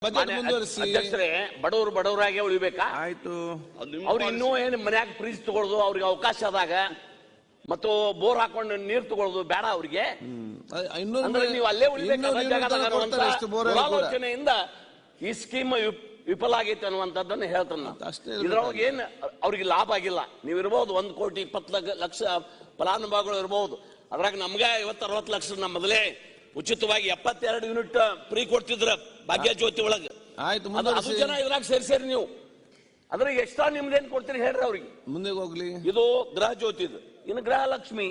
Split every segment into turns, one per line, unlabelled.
ಅಧ್ಯಕ್ಷರೇ, ಬಡವರು ಬಡವರಾಗೆ ಉಳಿಬೇಕಾ?
ಆಯ್ತು.
ಅವ್ರು ಇನ್ನೂ ಏನು ಮನ್ಯಾಗ ಫ್ರೀಜ್ ತಗೊಳ್ಳೋದು, ಅವ್ರಿಗೆ ಅವಕಾಶ ಆದಾಗ ಮತ್ತು ಬೋರ್ ಹಾಕೊಂಡು ನೀರು ತಗೊಳ್ಳೋದು ಬೇಡ ಅವ್ರಿಗೆ. ನೀವು ಅಲ್ಲೇ ಉಳಿಬೇಕಾಲೋಚನೆಯಿಂದ ಈ ಸ್ಕೀಮ್ ವಿಫಲ ಆಗೈತೆ ಅನ್ನುವಂಥದ್ದನ್ನು ಹೇಳ್ತಾನೆ. ಇದ್ರೊಳಗೆ ಏನ್ ಅವ್ರಿಗೆ ಲಾಭ ಆಗಿಲ್ಲ. ನೀವು ಇರ್ಬೋದು 1,20,00,000 ಫಲಾನುಭವಿಗಳು ಇರ್ಬೋದು. ಅದ್ರಾಗ ನಮ್ಗೆ 50-60 ಲಕ್ಷ ನಮ್ಮ ಮೊದಲೇ ಉಚಿತವಾಗಿ 72 ಯೂನಿಟ್ ಫ್ರೀ ಕೊಡ್ತಿದ್ರ ಭಾಗ್ಯ ಜ್ಯೋತಿ ಒಳಗೆ. ಅದು ಜನ ಇದ್ರಾಗ ಸೇರಿ ನೀವು ಅದ್ರಾಗ ಎಕ್ಸ್ಟ್ರಾ ನಿಮ್ದೇನ್ ಕೊಡ್ತೀರಿ ಹೇಳ್ರಿ ಅವ್ರಿಗೆ.
ಮುಂದೆ ಹೋಗ್ಲಿ.
ಇದು ಗೃಹ ಜ್ಯೋತಿ, ಇದು ಇನ್ನು ಗೃಹಲಕ್ಷ್ಮಿ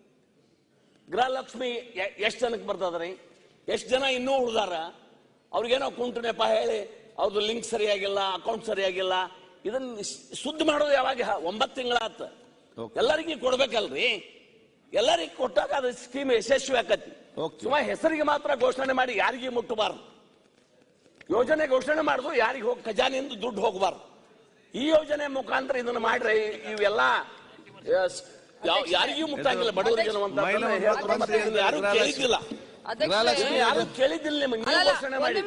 ಎಷ್ಟ್ ಜನಕ್ಕೆ ಬರ್ತದ್ರಿ? ಎಷ್ಟ್ ಜನ ಇನ್ನೂ ಉಳ್ದಾರ? ಅವ್ರಿಗೇನೋ ಕುಂಟು ನೆಪ ಹೇಳಿ ಅವ್ರದ್ದು ಲಿಂಕ್ ಸರಿಯಾಗಿಲ್ಲ, ಅಕೌಂಟ್ ಸರಿಯಾಗಿಲ್ಲ. ಇದನ್ನ ಸುದ್ದಿ ಮಾಡೋದು ಯಾವಾಗ? 9 ತಿಂಗಳಾತ. ಎಲ್ಲರಿಗೂ ಕೊಡ್ಬೇಕಲ್ರಿ. ಎಲ್ಲರಿಗೂ ಕೊಟ್ಟಾಗ ಅದು ಸ್ಕೀಮ್ ಯಶಸ್ವಿ ಆಕತಿ. ಸುಮ್ಮನೆ ಹೆಸರಿಗೆ ಮಾತ್ರ ಘೋಷಣೆ ಮಾಡಿ ಯಾರಿಗೆ ಮುಟ್ಟಬಾರ್ದು. ಯೋಜನೆ ಘೋಷಣೆ ಮಾಡುದು ಯಾರಿಗೆ ಹೋಗಿ ಖಜಾನೆಯಿಂದ ದುಡ್ಡು ಹೋಗಬಾರ್ದು. ಈ ಯೋಜನೆ ಮುಖಾಂತರ ಇದನ್ನು ಮಾಡ್ರೆ ಇವೆಲ್ಲ ಯಾರಿಗೂ ಮುಟ್ಟಂಗಿಲ್ಲ. ಬಡವರಿಗೆ ಯಾರು ಕೇಳಿದ್ದಿಲ್ಲ, ಯಾರು ಕೇಳಿದ್ದಿಲ್ಲ. ನಿಮಗೆ ಘೋಷಣೆ ಮಾಡಿ.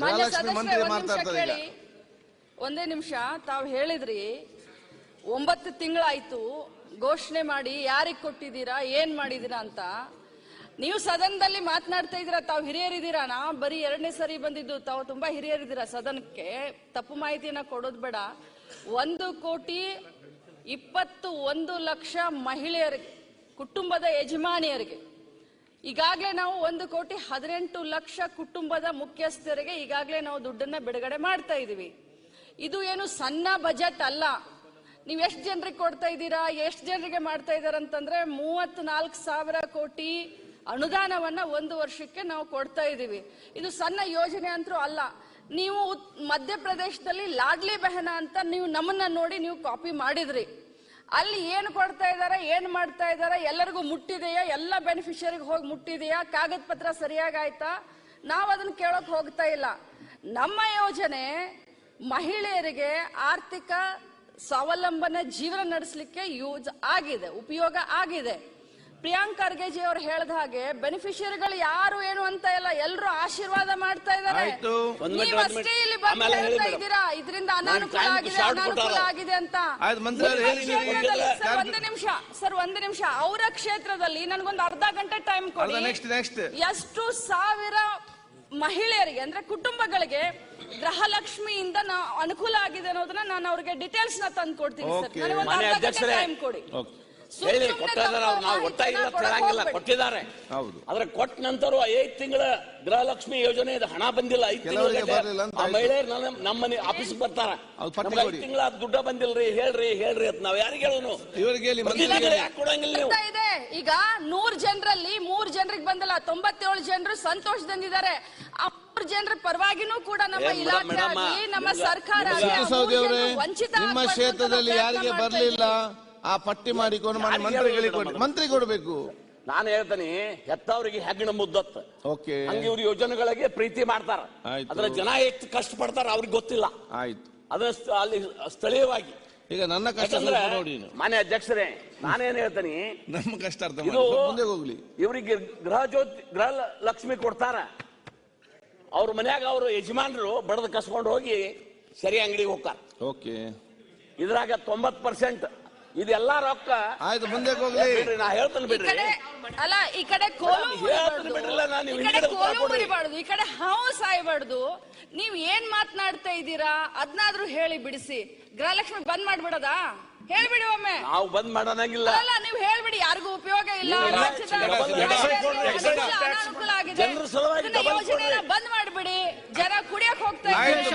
ಒಂದೇ ನಿಮಿಷ. ತಾವು ಹೇಳಿದ್ರಿ 9 ತಿಂಗಳಾಯ್ತು ಘೋಷಣೆ ಮಾಡಿ, ಯಾರಿಗೆ ಕೊಟ್ಟಿದ್ದೀರಾ, ಏನ್ ಮಾಡಿದೀರಾ ಅಂತ. ನೀವು ಸದನದಲ್ಲಿ ಮಾತನಾಡ್ತಾ ಇದ್ದೀರಾ, ತಾವು ಹಿರಿಯರಿದ್ದೀರಾ. ನಾ ಬರೀ 2ನೇ ಸರಿ ಬಂದಿದ್ದು, ತಾವು ತುಂಬಾ ಹಿರಿಯರಿದ್ದೀರಾ ಸದನಕ್ಕೆ. ತಪ್ಪು ಮಾಹಿತಿಯನ್ನ ಕೊಡೋದು ಬೇಡ. 1,21,00,000 ಮಹಿಳೆಯರಿಗೆ, ಕುಟುಂಬದ ಯಜಮಾನಿಯರಿಗೆ ಈಗಾಗಲೇ ನಾವು 1,18,00,000 ಕುಟುಂಬದ ಮುಖ್ಯಸ್ಥರಿಗೆ ಈಗಾಗಲೇ ನಾವು ದುಡ್ಡನ್ನ ಬಿಡುಗಡೆ ಮಾಡ್ತಾ ಇದೀವಿ. ಇದು ಏನು ಸಣ್ಣ ಬಜೆಟ್ ಅಲ್ಲ. ನೀವು ಎಷ್ಟು ಜನರಿಗೆ ಕೊಡ್ತಾ ಇದ್ದೀರಾ, ಎಷ್ಟು ಜನರಿಗೆ ಮಾಡ್ತಾ ಇದ್ದಾರೆ ಅಂತಂದ್ರೆ 34,000 ಕೋಟಿ ಅನುದಾನವನ್ನ 1 ವರ್ಷಕ್ಕೆ ನಾವು ಕೊಡ್ತಾ ಇದ್ದೀವಿ. ಇದು ಸಣ್ಣ ಯೋಜನೆ ಅಂತೂ ಅಲ್ಲ. ನೀವು ಮಧ್ಯಪ್ರದೇಶದಲ್ಲಿ ಲಾಡ್ಲಿ ಬೆಹನ ಅಂತ ನೀವು ನಮ್ಮನ್ನ ನೋಡಿ ನೀವು ಕಾಪಿ ಮಾಡಿದ್ರಿ. ಅಲ್ಲಿ ಏನು ಕೊಡ್ತಾ ಇದ್ದಾರೆ, ಏನ್ ಮಾಡ್ತಾ ಇದ್ದಾರೆ, ಎಲ್ಲರಿಗೂ ಮುಟ್ಟಿದೆಯಾ, ಎಲ್ಲ ಬೆನಿಫಿಷರಿಗೆ ಹೋಗಿ ಮುಟ್ಟಿದೆಯಾ, ಕಾಗದ ಪತ್ರ ಸರಿಯಾಗಿ ಆಯ್ತಾ? ನಾವು ಅದನ್ನ ಕೇಳೋಕ್ ಹೋಗ್ತಾ ಇಲ್ಲ. ನಮ್ಮ ಯೋಜನೆ ಮಹಿಳೆಯರಿಗೆ ಆರ್ಥಿಕ ಸ್ವಾವಲಂಬನೆ ಜೀವನ ನಡೆಸಲಿಕ್ಕೆ ಯೂಸ್ ಆಗಿದೆ, ಉಪಯೋಗ ಆಗಿದೆ. ಪ್ರಿಯಾಂಕ್ ಖರ್ಗೆಜಿ ಅವರು ಹೇಳಿದ ಹಾಗೆ ಬೆನಿಫಿಷಿಯರಿಗಳು ಯಾರು ಏನು ಅಂತ ಇಲ್ಲ, ಎಲ್ಲರೂ ಆಶೀರ್ವಾದ ಮಾಡ್ತಾ ಇದ್ದಾರೆ. ನೀವಷ್ಟೇ ಇಲ್ಲಿ ಬಂದು ಹೇಳ್ತಾ ಇದ್ದೀರಾ ಇದರಿಂದ ಅನಾನುಕೂಲ ಆಗಿದೆ, ಅನಾನುಕೂಲ ಆಗಿದೆ ಅಂತ. ಒಂದು ನಿಮಿಷ. ಅವರ ಕ್ಷೇತ್ರದಲ್ಲಿ ನನಗೊಂದು ಅರ್ಧ ಗಂಟೆ ಟೈಮ್ ಕೊಡಿ. ಎಷ್ಟು ಸಾವಿರ ಮಹಿಳೆಯರಿಗೆ ಅಂದ್ರೆ ಕುಟುಂಬಗಳಿಗೆ ಗೃಹಲಕ್ಷ್ಮಿಯಿಂದ ಅನುಕೂಲ ಆಗಿದೆ ಅನ್ನೋದನ್ನ ನಾನು ಅವ್ರಿಗೆ ಡೀಟೇಲ್ಸ್ ನ ತಂದು ಕೊಡ್ತೀನಿ ಸರ್. ನನಗೆ ಒಂದು ಅರ್ಧ ಗಂಟೆ ಟೈಮ್ ಕೊಡಿ.
ಕೊಟ್ಟಿದ್ದಾರೆ. ಆದ್ರೆ ಕೊಟ್ಟ ನಂತರ 5 ತಿಂಗಳ ಗೃಹಲಕ್ಷ್ಮಿ ಯೋಜನೆ ಹಣ ಬಂದಿಲ್ಲ. 5 ತಿಂಗಳ ಮಹಿಳೆಯರು ನಮ್ಮ ಆಫೀಸ್ ಬರ್ತಾರ, 5 ತಿಂಗಳ ದುಡ್ಡ ಬಂದಿಲ್ರಿ, ಹೇಳ್ರಿ ಅಂತ ನಾವ್ ಯಾರಿಗೆ ಹೇಳೋನು? ಕೊಡಂಗಿಲ್ಲ.
ಈಗ 100 ಜನರಲ್ಲಿ 3 ಜನರಿಗೆ ಬಂದಿಲ್ಲ, 97 ಜನರು ಸಂತೋಷದಿಂದಿದ್ದಾರೆ. 3 ಜನರ ಪರವಾಗಿನೂ ಕೂಡ ನಮ್ಮ ಇಲಾಖೆ ಆಗಲಿ, ನಮ್ಮ ಸರ್ಕಾರ ವಂಚಿತ.
ನಿಮ್ಮ ಕ್ಷೇತ್ರದಲ್ಲಿ ಯಾರಿಗೆ ಬರ್ಲಿಲ್ಲ ಆ ಪಟ್ಟಿ ಮಾಡಿಕೊಂಡು ಮಂತ್ರಿ ಕೊಡಬೇಕು.
ನಾನು ಹೇಳ್ತೇನೆ, ಹೆತ್ತವರಿಗೆ ಹೆಗ್ಗಣ ಮುದ್ದತ್ತ. ಹಂಗೆ ಇವ್ರ ಯೋಜನೆಗಳಿಗೆ ಪ್ರೀತಿ ಮಾಡ್ತಾರ. ಅದ್ರ ಜನ ಎಷ್ಟು ಕಷ್ಟ ಪಡ್ತಾರ ಅವ್ರಿಗೆ ಗೊತ್ತಿಲ್ಲ.
ಆಯ್ತು,
ಅದನ್ನ ಅಲ್ಲಿ ಸ್ಥಳೀಯವಾಗಿ
ಈಗ ನನ್ನ ಕಷ್ಟ ನೋಡಿ.
ಮಾನ್ಯ ಅಧ್ಯಕ್ಷರೇ, ನಾನೇನ್ ಹೇಳ್ತೇನೆ,
ನಮ್ಮ ಕಷ್ಟ ಅರ್ಥ ಹೋಗ್ಲಿ.
ಇವರಿಗೆ ಗೃಹ ಲಕ್ಷ್ಮಿ ಕೊಡ್ತಾರ. ಅವ್ರ ಮನ್ಯಾಗ ಅವ್ರ ಯಜಮಾನರು ಬಡದ ಕಸ್ಕೊಂಡು ಹೋಗಿ ಸರಿ ಅಂಗಡಿಗೆ ಹೋಗ್ತಾರ. ಇದ್ರಾಗ 90% ಇದೆಲ್ಲ ರೊಕ್ಕ.
ಆಯ್ತು, ಮುಂದೆ ಹೋಗ್ಲಿ.
ನಾ ಹೇಳ್ತೇನೆ ಬಿಡ್ರಿ.
ಅಲ್ಲ, ಈ ಕಡೆ ಕೋಲು ಮುರಿಬಾರ್ದು, ಈ ಕಡೆ ಹಾವು ಸಾಯ್ಬಾರ್ದು. ನೀವ್ ಏನ್ ಮಾತನಾಡ್ತಾ ಇದ್ದೀರಾ ಅದ್ನಾದ್ರೂ ಹೇಳಿ ಬಿಡಿಸಿ. ಗೃಹಲಕ್ಷ್ಮಿ ಬಂದ್ ಮಾಡ್ಬಿಡೋದಾ? ಹೇಳ್ಬಿಡಿ ಒಮ್ಮೆ.
ನಾವು ಬಂದ್ ಮಾಡೋಣಾಗಿಲ್ಲ.
ಅಲ್ಲ, ನೀವು ಹೇಳ್ಬಿಡಿ, ಯಾರಿಗೂ ಉಪಯೋಗ ಇಲ್ಲ, ಅನಾನುಕೂಲ ಆಗಿದೆ, ಯೋಜನೆನ ಬಂದ್ ಮಾಡ್ಬಿಡಿ. ಜನ ಕುಡಿಯಕ್ ಹೋಗ್ತಾ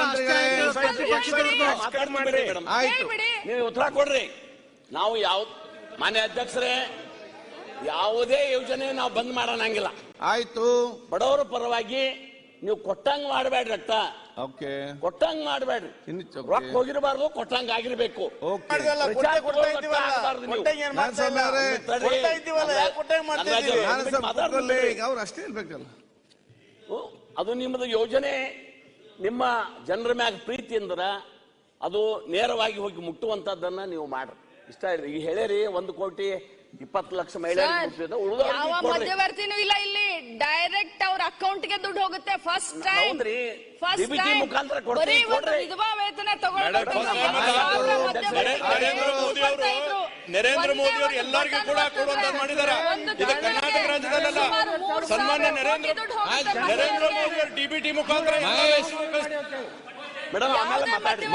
ಹೇಳ್ಬಿಡಿ.
ನೀವು ಉತ್ತರ ಕೊಡ್ರಿ. ನಾವು ಮಾನ್ಯ ಅಧ್ಯಕ್ಷರೇ, ಯಾವುದೇ ಯೋಜನೆ ನಾವು ಬಂದ್ ಮಾಡೋಣಂಗಿಲ್ಲ.
ಆಯ್ತು,
ಬಡವರ ಪರವಾಗಿ ನೀವು ಕೊಟ್ಟಂಗ್ ಮಾಡಬೇಡ್ರಿ. ಕೊಟ್ಟಂಗ್ ಮಾಡಬೇಡ್ರಿ. ರೊಕ್ಕ ಹೋಗಿರಬಾರ್ದು, ಕೊಟ್ಟಂಗ್ ಆಗಿರ್ಬೇಕು. ಅದು ನಿಮ್ಮದು ಯೋಜನೆ ನಿಮ್ಮ ಜನರ ಮ್ಯಾಗ ಪ್ರೀತಿ ಅಂದ್ರ ಅದು ನೇರವಾಗಿ ಹೋಗಿ ಮುಟ್ಟುವಂತದ್ದನ್ನ ನೀವು ಮಾಡ್ರಿ. ಇಷ್ಟ ಈಗ ಹೇಳಿರಿ 1,20,00,000 20 ಲಕ್ಷ ಮಹಿಳೆಯರಿಗೆ
ಯಾವ ಮಧ್ಯವರ್ತಿನೂ ಇಲ್ಲ ಇಲ್ಲಿ, ಡೈರೆಕ್ಟ್ ಅವ್ರ ಅಕೌಂಟ್ ಗೆ ದುಡ್ಡು ಹೋಗುತ್ತೆ. ಫಸ್ಟ್ ಟೈಮ್
ಮುಖಾಂತರ ಕೊಡ್ರಿ.
ವಿಧವಾ ವೇತನ
ನರೇಂದ್ರ ಮೋದಿ ಅವರು ಎಲ್ಲರಿಗೂ ಕೂಡ ಕೊಡುವಂತ ಮಾಡಿದ್ದಾರೆ. ಇದು ಕರ್ನಾಟಕ ರಾಜ್ಯದಲ್ಲ, ಸನ್ಮಾನ್ಯ ನರೇಂದ್ರ ಮೋದಿ ಅವರು ಡಿಬಿಟಿ ಮುಖಾಂತರ
ಮೇಡಮ್ ಆಮೇಲೆ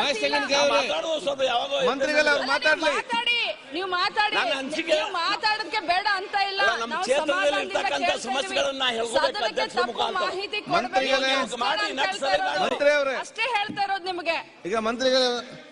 ಮಂತ್ರಿಗಳು ಮಾತಾಡ್ಲಿ.
ನೀವು ಮಾತಾಡೋದಕ್ಕೆ ಬೇಡ ಅಂತ ಇಲ್ಲ.
ನಮ್ಮ ಕ್ಷೇತ್ರದಲ್ಲಿ ಇರ್ತಕ್ಕಂಥ ಸಮಸ್ಯೆಗಳನ್ನ ಹೇಳ್ಬೇಕು ಅಧ್ಯಕ್ಷರ ಮುಖಾಂತರ.
ಮಾಹಿತಿ
ಮಂತ್ರಿ ಅವರೇ
ಅಷ್ಟೇ ಹೇಳ್ತಾ ಇರೋದು ನಿಮಗೆ.
ಈಗ ಮಂತ್ರಿಗಳು